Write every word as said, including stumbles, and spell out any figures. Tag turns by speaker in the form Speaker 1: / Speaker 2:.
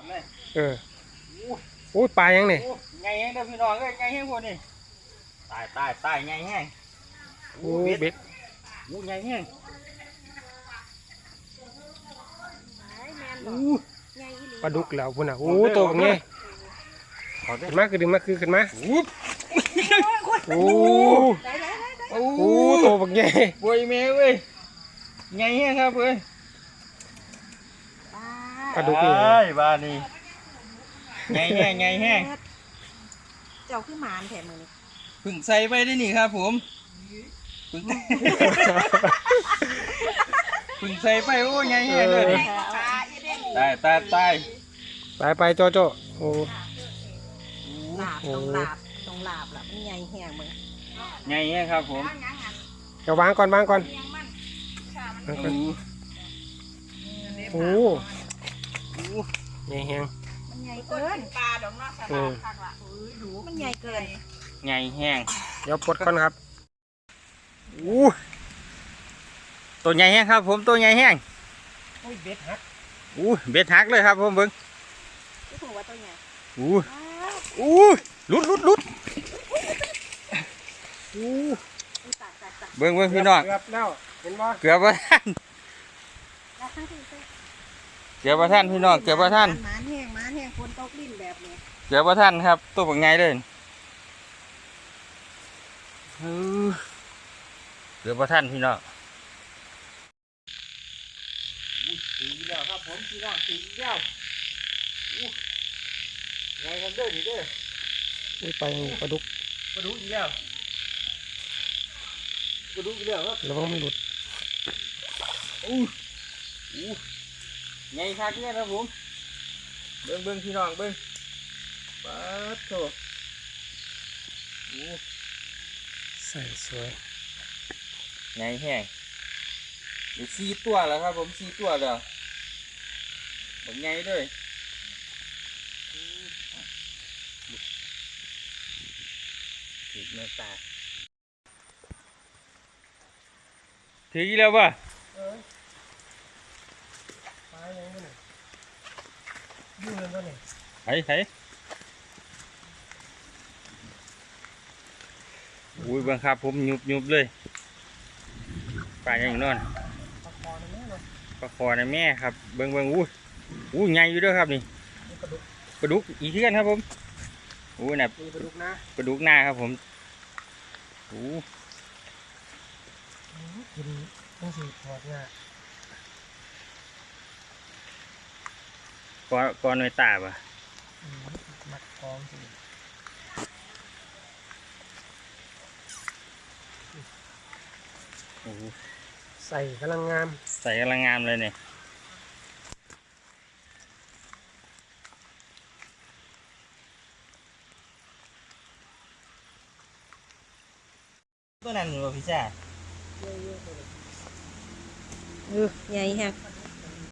Speaker 1: เออโอ้ปลายังนี่
Speaker 2: ไงแห้งเด้อพี่น้องเอ้ยไงแห้งพวกนี้ตายตายตายไงแห้ง
Speaker 1: โอ้เบ็ด
Speaker 2: โอ้ไงแห้ง
Speaker 1: ปลาดุกแล้วพุ่นอ่ะโอ้โตแบบนี้ขึ้นมาคือดึงมาคือขึ้นมาโอ้โอ้โตแบบนี้
Speaker 2: ป่วยแม่เว้ยไงแห้งครับเว้ย
Speaker 1: ปลาดุกนี่
Speaker 2: บ้านี่ไงแห้งไงแห้ง
Speaker 3: เจ้าคือหมานแถมมือนี่
Speaker 2: พึ่งใส่ไปได้นี่ครับผมพึ่งพึ่งใส่ไปโอ้ไงแห้งเลยตายตายตาย
Speaker 1: ไปไปโจโจโอ้
Speaker 3: ลาบตรงลาบตรงลาบล่ะมันใหญ่แห้งมึง
Speaker 2: ไงแห้งครับผม
Speaker 1: เดี๋ยววางก่อนวางก่อนโอ้ใหญ่แห้ง
Speaker 3: มันใหญ่เกินปลาดอกนอกสลาคักละดูมันใหญ่เกิน
Speaker 2: ไงแห้ง
Speaker 1: เดี๋ยวปลดก่อนครับ
Speaker 2: อู้ตัวใหญ่แห้งครับผมตัวใหญ่แห้ง
Speaker 1: อุ้ยเบ็ดหัก
Speaker 2: อู้เบ็ดหักเลยครับผมเบิ้ง
Speaker 3: ถือว่าตัวใหญ่
Speaker 2: อู้อู้ลุดลุดลุด
Speaker 1: อู้
Speaker 2: เบิ้งเบิ้งพี่น้อง
Speaker 1: เกือบแล้วเห็นบ่
Speaker 2: เกือบว่าท่านเกือบว่าท่านพี่น้องเกือบว่าท่าน
Speaker 3: หมานแห้งหมานแห้งคนตกลิ้นแบบนี้
Speaker 2: เกือบว่าท่านครับตัวเป็นไงเลยเกือบว่าท่านพี่น้องถึงแล้วครับผมพี่น้องถึงแล้วไงกันเด้อดิเด้อ
Speaker 1: ไปปลาดุก
Speaker 2: ปลาดุกอีกแล้วปลาดุกอีกแล้วครับ
Speaker 1: ระวังไม่หลุด
Speaker 2: อู้อู้ไงคักเนี่ยครับผมเบิ้งเบิ้งพี่น้องเบิ้งปลาโถอู้
Speaker 1: ใส่สวย
Speaker 2: ไงแห้งเดี๋ยวสี่ตัวแล้วครับผมสี่ตัวแล้วแบบไงด้วยถือเนื้อตาถือกี่แล้วป่ะ
Speaker 1: ปลาอย่างนี้ยุ่งเลยป่ะเนี่ย
Speaker 2: ไห้ไห้อุ้ยบังคับผมยุบยุบเลยปลาอย่างนอนปลาคอในแม่ครับเบิ้งเบิ้งอู้อู้ใหญ่อยู่ด้วยครับนี่ปลาดุกอีกทีกันครับผมอู้น่ะ
Speaker 1: ปลาดุกนะ
Speaker 2: ปลาดุกหน้าครับผมอู้
Speaker 1: กินต้องสีทอดง่าย
Speaker 2: ก้อนก้อนในตาป่ะ
Speaker 1: มัดคล้องสิใส่กำลังงาม
Speaker 2: ใส่กำลังงามเลยเนี่ยตัวนั้นหรือพี่จ้า
Speaker 3: เออใหญ่แฮะ